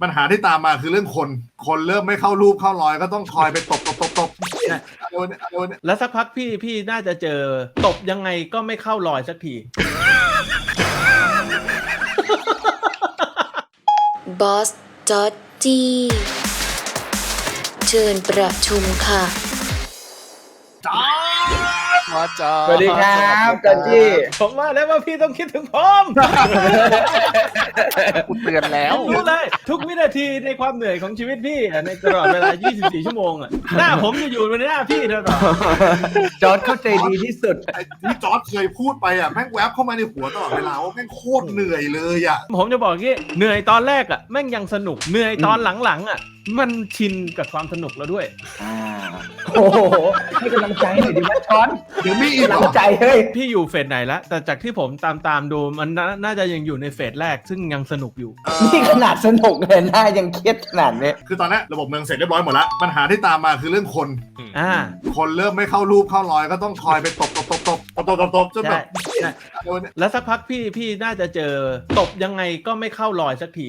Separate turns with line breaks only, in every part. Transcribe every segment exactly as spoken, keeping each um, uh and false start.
ปัญหาที่ตามมาคือเรื่องคนคนเริ่มไม่เข้ารูปเข้ารอยก็ต้องคอยไปตบตบตบตบโดนโดน
แล้วสักพักพี่พี่น่าจะเจอตบยังไงก็ไม่เข้ารอยสักที
บอสจอดจี้เชิญประชุมค่ะ
จ้า
มาจ้า
สวัสดีครับจอดจี้
ผมว่าแล้วว่าพี่ต้องคิดถึงผม
กูเตือนแล้ว
รู้เลยทุกวินาทีในความเหนื่อยของชีวิตพี่ในตลอดเวลายี่สิบสี่ชั่วโมงอ่ะหน้าผมจะอยู่บนหน้าพี่เท่านั้น
จอร์จเข้าใจดีที่สุด
ไอ้ที่จอร์จเคยพูดไปอ่ะแม่งแวบเข้ามาในหัวตลอดเวลาว่าแม่งโคตรเหนื่อยเลยอ่ะ
ผมจะบอกงี้เหนื่อยตอนแรกอ่ะแม่งยังสนุกเหนื่อยตอนหลังๆอ่ะมันชินกับความสนุกแล้วด้วย
อ่าโอ้โหให้กำลังใจหน่อยดิว่าช้อน
เดี๋ยวมีอีก
กำลังใจเฮ้ย
พี่อยู่เฟสไหนแล้วแต่จากที่ผมตามตามดูมันน่าจะยังอยู่ในเฟสแรกซึ่งยังสนุกอยู่
นี่ขนาดสนุกเลยน่ายังเครียดขนาดนี้
คือตอนนี้ระบบเมืองเสร็จเรียบร้อยหมดแล้วปัญหาที่ตามมาคือเรื่องคน
อ่า
คนเริ่มไม่เข้ารูปเข้ารอยก็ต้องคอยไปตบตบตบตบตบตบตบตบจนแบบ
แล้วสักพักพี่พี่น่าจะเจอตบยังไงก็ไม่เข้ารอยสักที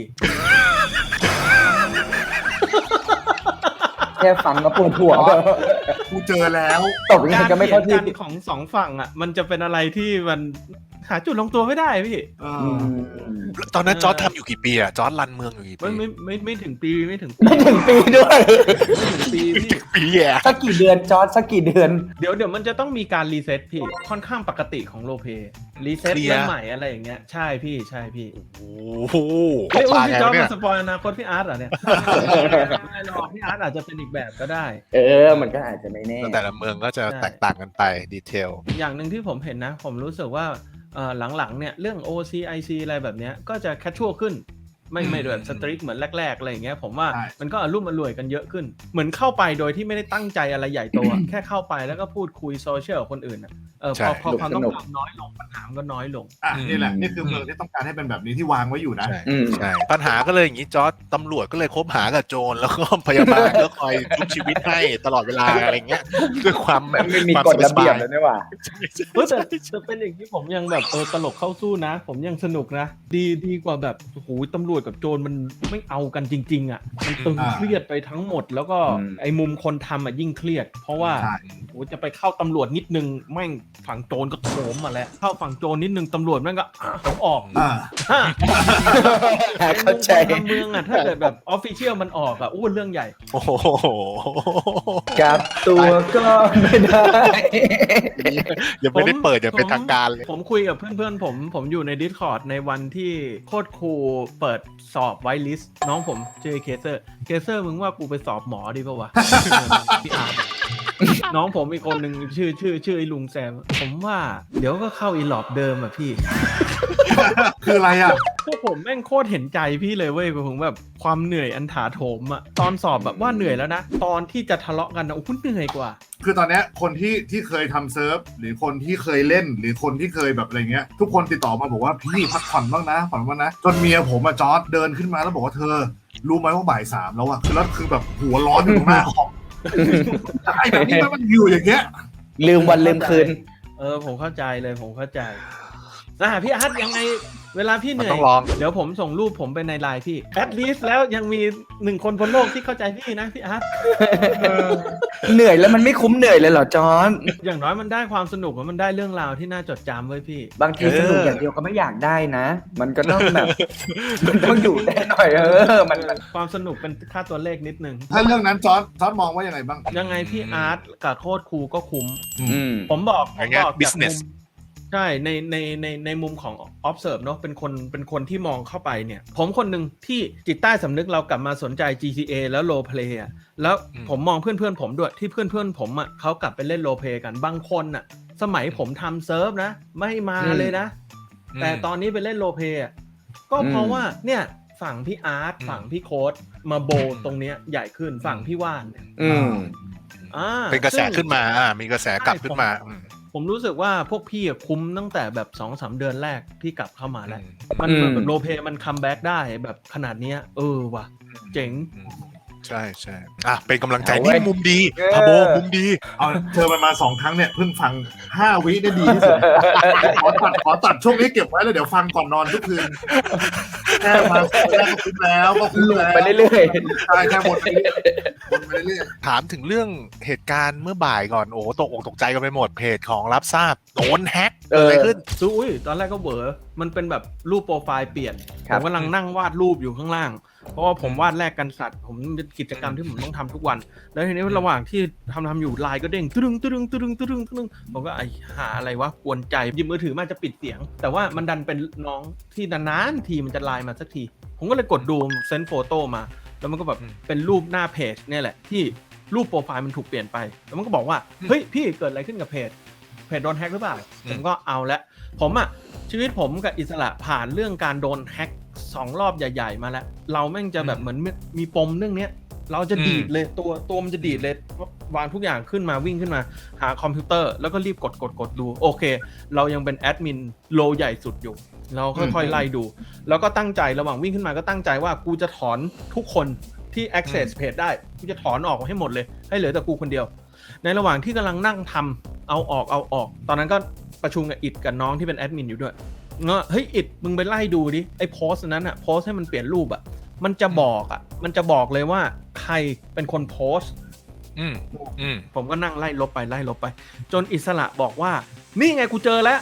แค่ฟังก็ปวดหัว
กูเจอแล้ว
ตบยังไงก็ไม่เข้าที่
ของสองฝั่งอ่ะมันจะเป็นอะไรที่มันหาจุดลงตัวไม่ได้พี่
ตอนนั้นจอร์จทำอยู่กี่ปีอะจอร์จรันเมืองอยู่กี่ปี
ไม่ไม่ไม่ไม่ถึงปีไม่ถึง
ไม่ถึงปีด้วย
ไม่ถึงปีพี่
ปีอะ
สักกี่เดือนจอร์จสักกี่เดือน
เดี๋ยวเดี๋ยวมันจะต้องมีการรีเซ็ตพี่ค่อนข้างปกติของโลเปรีเซ็ตเรื่องใหม่อะไรอย่างเงี้ยใช่พี่ใช่พี่
โอ้โห
เฮ้ยพี่จอร์จมาสปอยอนาคตพี่อาร์ตเหรอเนี่ยไม่หรอกพี่อาร์ตอาจจะเป็นอีกแบบก็ได้
เออมันก็อาจจะไม่แน่
แต่ละเมืองก็จะแตกต่างกันไปดีเทล
อย่างหนึ่งที่ผมเห็นนะผมรู้สึกว่าหลังๆเนี่ยเรื่อง โอ ซี ไอ ซี อะไรแบบเนี้ยก็จะแคชชวลขึ้นไม่ไม่แบบสตริกเหมือนแรกๆอะไรอย่างเงี้ยผมว่ามันก็อารมณ์อร่วยกันเยอะขึ้นเหมือนเข้าไปโดยที่ไม่ได้ตั้งใจอะไรใหญ่โตแค่เข้าไปแล้วก็พูดคุยโซเชียลกับคนอื่นอ่ะเออพอพอความต้องการน้อยลงปัญหาก็น้อยลง
อ่ะนี่แหละนี่คือเมืองที่ต้องการให้เป็นแบบนี้ที่วางไว้อยู่นะ
ใช่ปัญหาก็เลยอย่างนี้จอร์จตำรวจก็เลยคบหากับโจรแล้วก็พยาบาลก็คอยชุบชีวิตให้ตลอดเวลาอะไรเงี้ยด้วยความแบบ
ไม่มีกฎระเบียบเลยนี่หว่า
เออแต่จะเป็นอย่างที่ผมยังแบบเออตลกเข้าสู้นะผมยังสนุกนะดีดีกว่าแบบโอ้โหตำรวจกับโจรมันไม่เอากันจริงๆอ่ะมันตึงเครียดไปทั้งหมดแล้วก็ไอ้มุมคนทำอ่ะยิ่งเครียดเพราะว่าโอ้จะไปเข้าตำรวจนิดนึงแม่งฝั่งโจรก็โถมมาแล้วเข้าฝั่งโจรนิดนึงตำรวจแม่งก็ผมออก
เข้าใจ
เมืองอ่ะถ้าเกิดแบบออฟฟิเชียลมันออกอ่ะอู้เรื่องใหญ่
โอ้โห
กับตัวก็ไม่ได้
ยังไม่ได้เปิดอย่างเป็นทางการเลย
ผมคุยกับเพื่อนๆผมผมอยู่ใน Discord ในวันที่โคตรครูเปิดสอบไวลิสต์น้องผมชื่อเคเซอร์เคเซอร์มึงว่ากูไปสอบหมอดีป่าววะพี่อาร์ตน้องผมอีกคนหนึ่งชื่อชื่อชื่อไอ้ลุงแซมผมว่าเดี๋ยวก็เข้าอีหลอบเดิมอ่ะพี่
คืออะไรอ่ะ
พวกผมแม่งโคตรเห็นใจพี่เลยเว้ยผมแบบความเหนื่อยอันถาโถมอ่ะตอนสอบแบบว่าเหนื่อยแล้วนะตอนที่จะทะเลาะกันนะโอ้โหเหนื่อยกว่า
คือตอนนี้คนที่ที่เคยทำเซิร์ฟหรือคนที่เคยเล่นหรือคนที่เคยแบบอะไรเงี้ยทุกคนติดต่อมาบอกว่าพี่พักผ่อนบ้างนะผ่อนบ้างนะจนเมียผมอะจอร์จเดินขึ้นมาแล้วบอกว่าเธอรู้ไหมว่าบ่ายสามแล้วอะคือแล้วคือแบบหัวร้อนอยู่ตรงหน้าคอมไอ้แบบนี้มันอยู่อย่างเงี้ย
ลืมวันลืมคืน
เออผมเข้าใจเลยผมเข้าใจอ่ะพี่อาร์ตยังไงเวลาพี่เหนื่อยเดี๋ยวผมส่งรูปผมไปในไลน์พี่แอดลีสแล้วยังมีหนึ่งคนบนโลกที่เข้าใจพี่นะพี่อาร์ต
เหนื่อยแล้วมันไม่คุ้มเหนื่อยเลยเหรอจอร์จ
อย่างน้อยมันได้ความสนุกมันได้เรื่องราวที่น่าจดจำไว้พี่
บางทีสนุกอย่างเดียวก็ไม่อยากได้นะมันก็ต้องแบบมันต้องอยู่ได้หน่อยเออมัน
ความสนุกเป็นค่าตัวเลขนิดนึง
ถ้าเรื่องนั้นจอร์จจอร์จมองว่ายังไงบ้าง
ยังไงพี่อาร์ตกับโคตรครูก็คุ้มผมบอกผมบอก businessใช่ในในในในมุมของ observe เนาะเป็นคนเป็นคนที่มองเข้าไปเนี่ยผมคนหนึ่งที่จิตใต้สำนึกเรากลับมาสนใจ จี ที เอ แล้ว role play อ่ะแล้วผมมองเพื่อนเพื่อนผมด้วยที่เพื่อนเพื่อนผมอ่ะเขากลับไปเล่น role play กันบางคนอ่ะสมัยผมทำเซิร์ฟนะไม่มาเลยนะแต่ตอนนี้ไปเล่น role play อ่ะก็เพราะว่าเนี่ยฝั่งพี่อาร์ตฝั่งพี่โค้ดมาโบตรงเนี้ยใหญ่ขึ้นฝั่งพี่ว่านเนี่ย
อ่าเป็นกระแสขึ้นมาอ่ามีกระแสกลับขึ้นมา
ผมรู้สึกว่าพวกพี่คุ้มตั้งแต่แบบ สองสาม เดือนแรกที่กลับเข้ามาแล้วมันแบบโรลเพลย์มันคัมแบ็กได้แบบขนาดนี้เออว่ะเจ๋ง
ใช่ใช่อ่ะเป็นกำลังใจ
เอาเว้
นี่
ย
มุมดี
เออ
พาโบมุมดี
เอาเธอมันมาสองครั้งเนี่ยเพิ่งฟังห้าวิได้ดีที่สุดขอตัดขอตัดช่วงนี้เก็บไว้แล้วเดี๋ยวฟังก่อนนอนทุกคืนแค่มาแรกก็คุ้มแล้วก็คุ้ม
หลุด
แล้ว
ไปเรื่อย
ใช่แค่วนไปเรื่อยวนไปเรื่อย
ถามถึงเรื่องเหตุการณ์เมื่อบ่ายก่อนโอ้ตกอกตกใจกันไปหมดเพจของรับทราบโดนแฮ็ก
ๆ
เกิดอะไรขึ้น
ซูอุ้ยตอนแรกก็เบอมันเป็นแบบรูปโปรไฟล์เปลี่ยน
ค
ผ
รับ
มกำลังนั่งวาดรูปอยู่ข้างล่าง เพราะว่าผมวาดแลกกันสัตว์ผมเป็นกิจกรรมที่ผมต้องทำทุกวัน แล้วทีนี้ระหว่างที่ทำทำอยู่ไลน์ก็เด้งตึ้งตึ้งตึ้งตึ้งตึ้งตึ้งผมก็ไอหาอะไรวะกวนใจหยิบมือถือมาจะปิดเสียง แต่ว่ามันดันเป็นน้องที่นานๆทีมันจะไลน์มาสักที ผมก็เลยกดดูเซนโฟโต้มา แล้วมันก็แบบ
อืม
เป็นรูปหน้าเพจเนี่ยแหละที่รูปโปรไฟล์มันถูกเปลี่ยนไปแล้วมันก็บอกว่าเฮ้ยพี่เกิดอะไรขึ้นกับเพจเพจโดนแฮ็กหรือเปล่าผมก็เอาละผมอะชีวิตผมกับอิสระผ่านเรื่องการโดนแฮ็กสองรอบใหญ่ๆมาแล้วเราแม่งจะแบบเหมือนมีปมเรื่องเนี้ยเราจะดีดเลยตัวตัวมันจะดีดเลยวางทุกอย่างขึ้นมาวิ่งขึ้นมาหาคอมพิวเตอร์แล้วก็รีบกดกดกดดูโอเคเรายังเป็นแอดมินโลใหญ่สุดอยู่เราค่อยๆไล่ดูแล้วก็ตั้งใจระหว่างวิ่งขึ้นมาก็ตั้งใจว่ากูจะถอนทุกคนที่ access page ได้กูจะถอนออกให้หมดเลยให้เหลือแต่กูคนเดียวในระหว่างที่กำลังนั่งทำเอาออกเอาออกตอนนั้นก็ประชุมกับอิดกับน้องที่เป็นแอดมินอยู่ด้วยเงาะเฮ้ยอิดมึงไปไล่ดูดิไอ้โพสต์นั้นอะโพสต์ให้มันเปลี่ยนรูปอะมันจะบอกอะมันจะบอกเลยว่าใครเป็นคนโพสต์
อืมอืม
ผมก็นั่งไล่ลบไปไล่ลบไป จนอิสระบอกว่านี่ไงกูเจอแล้ว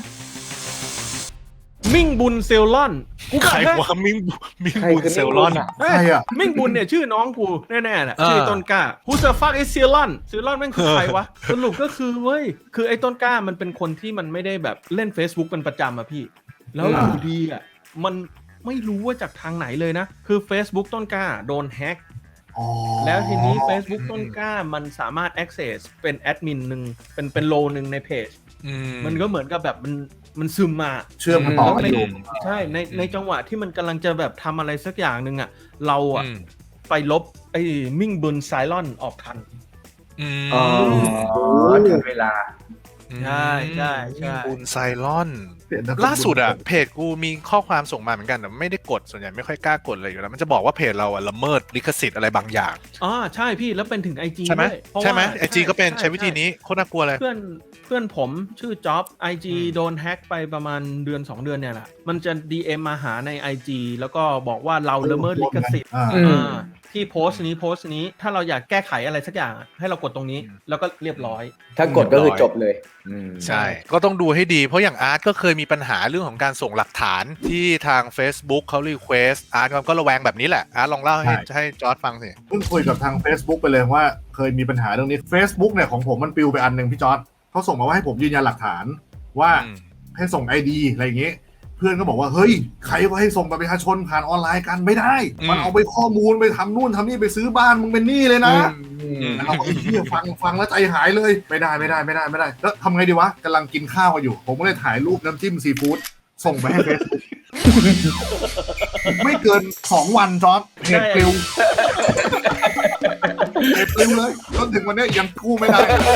มิ่งบุญเซลลอนกู
ใคร
บอก
ว่ามิงมิง
ใคร
บุญ
คือ
เซลลอน
มิ่งบุญอะ
เฮ้ย
ใครอะ
มิ่งบุญเนี่ยชื่อน้องกูแน่ๆแหละ
เออ
ชื่อต้นกล้า Who the fuck is เซลลอนเซลลอนแม่งคือใครวะ สรุปก็คือเว้ยคือไอ้ต้นกล้ามันเป็นคนที่มันไม่ได้แบบเล่น Facebook เป็นประจำอะพี่ แล้วอยู่ดีอะมันไม่รู้ว่าจากทางไหนเลยนะ คือ Facebook ต้นกล้าโดนแฮ็ก
อ๋อ
แล้วทีนี้ Facebook ต้นกล้ามันสามารถ access เป็นแอดมินหนึ่งเป็นเป็นโลหนึ่งในเพจ
อื
มันก็เหมือนกับแบบมันมันซึมมา
เชื่อมกันต่อกันอยู่
ใช่ในในจังหวะที่มันกำลังจะแบบทำอะไรสักอย่างหนึ่งอ่ะเราอ่ะ
อืม
ไปลบไอ้มิ่งบุญไซลอนออกทัน
อืม
อ๋อถึงเวลา
ใช่ใช่ใช่
มิงบุญไซลอน
เปลี่ยนนามสกุ
ล่าสุดอะเพจกูมีข้อความส่งมาเหมือนกันแต่ไม่ได้กดส่วนใหญ่ไม่ค่อยกล้ากดเลยอยู่แล้วมันจะบอกว่าเพจเราอะละเมิดลิขสิทธิ์อะไรบางอย่าง
อ๋อใช่พี่แล้วเป็นถึง ไอ จี
ใช่ไหม
ด้วยเพราะว่า
ใช่ไหมไอจีก็เป็น
ช่
ใช้วิธีนี้โคตรน่ากลัวเลย
เพื่อนเพื่อนผมชื่อจ็อบ ไอ จี
อืม
โดนแฮ็กไปประมาณเดือนสองเดือนเนี่ยแหละมันจะ ดี เอ็ม มาหาใน ไอ จี แล้วก็บอกว่าเราละเมิดลิขสิทธิ์
อ่า
อืม
อ่าที่โพสต์นี้โพสต์นี้ถ้าเราอยากแก้ไขอะไรสักอย่างอะให้เรากดตรงนี้แล้วก็เรียบร้อย
ถ้ากดก็คือจบเลยอืม
ใช่ ก็ต้องดูให้ดีเพราะอย่างอาร์ตก็เคยมีปัญหาเรื่องของการส่งหลักฐานที่ทาง Facebook เขารีเควสอาร์ตก็ระแวงแบบนี้แหละอาร์ตลองเล่าให้ให้จอร์จฟังสิ
เพิ่งคุยกับทาง Facebook ไปเลยว่าเคยมีปัญหาเรื่องนี้ Facebook เนี่ยของผมมันปลิวไปอันหนึ่งพี่จอร์ดเขาส่งมาว่าให้ผมยืนยันหลักฐานว่า
อืม
ให้ส่ง ไอ ดี อะไรอย่างเงี้ยเพื่อนก็บอกว่าเฮ้ยใครว่าให้ส่งบัตรประชาชนผ่านออนไลน์กันไม่ได้ มันเอาไปข้อมูลไปทำนู่นทำนี่ไปซื้อบ้านมึงเป็นหนี้เลยนะ
อืม
แล้วเราก็ไอ้เหี้ยฟังฟังแล้วใจหายเลยไม่ได้ไม่ได้ไม่ได้ไม่ได้แล้วทำไงดีวะกำลังกินข้าวกันอยู่ ผมก็เลยถ่ายรูปน้ำจิ้มซีฟู้ดส่งไปให้เฟซบุ๊ก ไม่เกินสองวันจอร์ดเพจปลิวเพจปลิวเลยจนถึงวันนี้ยังกู้ไม่ได้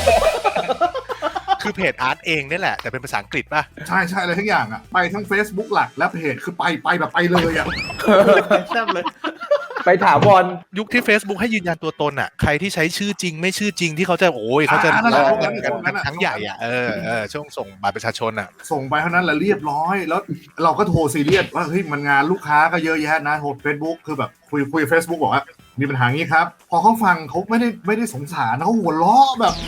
คือเพจอาร์ตเองนี่แหละแต่เป็นภาษาอังกฤษป่ะ
ใช่ใช่อะไรทั้งอย่างอ่ะไปทั้ง Facebook หลักและเพจคือไปไปแบบไปเลยอ่ะ
แซ่บเลย
ไปถามบอล
ยุคที่ Facebook ให้ยืนยันตัวตนอ่ะใครที่ใช้ชื่อจริงไม่ชื่อจริงที่เขาจะโอ้ยเขาจะ
อ่านั่นแหละ
กัน
ช่
กั
วงนั้น
น
น่ะ
ทั้งใหญ่อ่ะเออเออช่วงส่งบัตรประชาชนอ่ะ
ส่งไปเท่านั้นแหละเรียบร้อยแล้วเราก็โทรซีเรียสว่าเฮ้ยมันงานลูกค้าก็เยอะแยะนะโทร Facebook คือแบบคุยคุย Facebook บอกว่ามีปัญหางี้ครับ พอเขาฟังเขาไม่ได้ไม่ได้สงสารเขาหัวเราะแบบ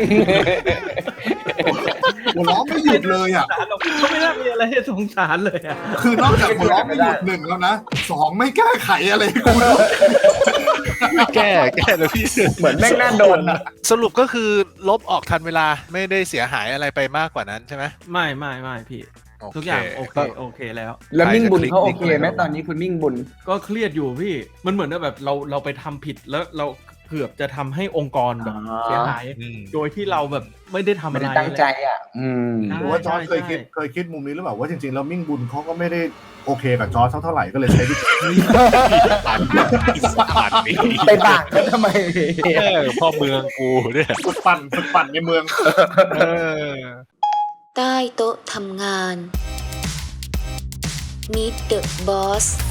หัวเราะไม่หยุดเลยอ่ะ
เขาไม่น่ามีอะไรให้สงสารเลยอ่ะ
คือนอกจากหัวเราะไม่หยุดหนึ่งแล้วนะสองไม่แก้ไขอะไรให้กูด้วย
แก้แก้เลยพี่
เหมือนแม่งน่าโดนอะ
สรุปก็คือลบออกทันเวลาไม่ได้เสียหายอะไรไปมากกว่านั้นใช่ไหม
ไม่ไม่ไม่พี่
โเค
ทุกอย่างโอเคโอเคแล้ว
แล้วมิ่งบุญเขา
ใคร
โอ
จะคลิก
เคไหม
ลิงก์
ตอนนี้คุณมิ่งบุญ
ก็เครียดอยู่พี่ มันเหมือนว่าแบบเราเราไปทำผิดแล้วเราเกือบจะทำให้องค์กรแบบ
อ๋อ
เสียหาย
อืม
โดยที่เราแบบไม่ได้ทำ
ไม่
อะไร
ได้ตั้งใจอ่ะ อืม
ใช่
หรือว่าจอร์จเคยคิดเคยคิดมุมนี้หรือเปล่าว่าจริงๆแล้วมิ่งบุญเขาก็ไม่ได้โอเคกับจอร์จเท่าไหร่ก็เลยใช้วิธี
ผ่านผ่านนี้
ไปต่างกันทำไม
เออพ่อเมืองกูเนี่ย
ฝึกปั่นฝึกปั่นในเมือง
เออ
ใต้โต๊ะทำงาน Meet the Boss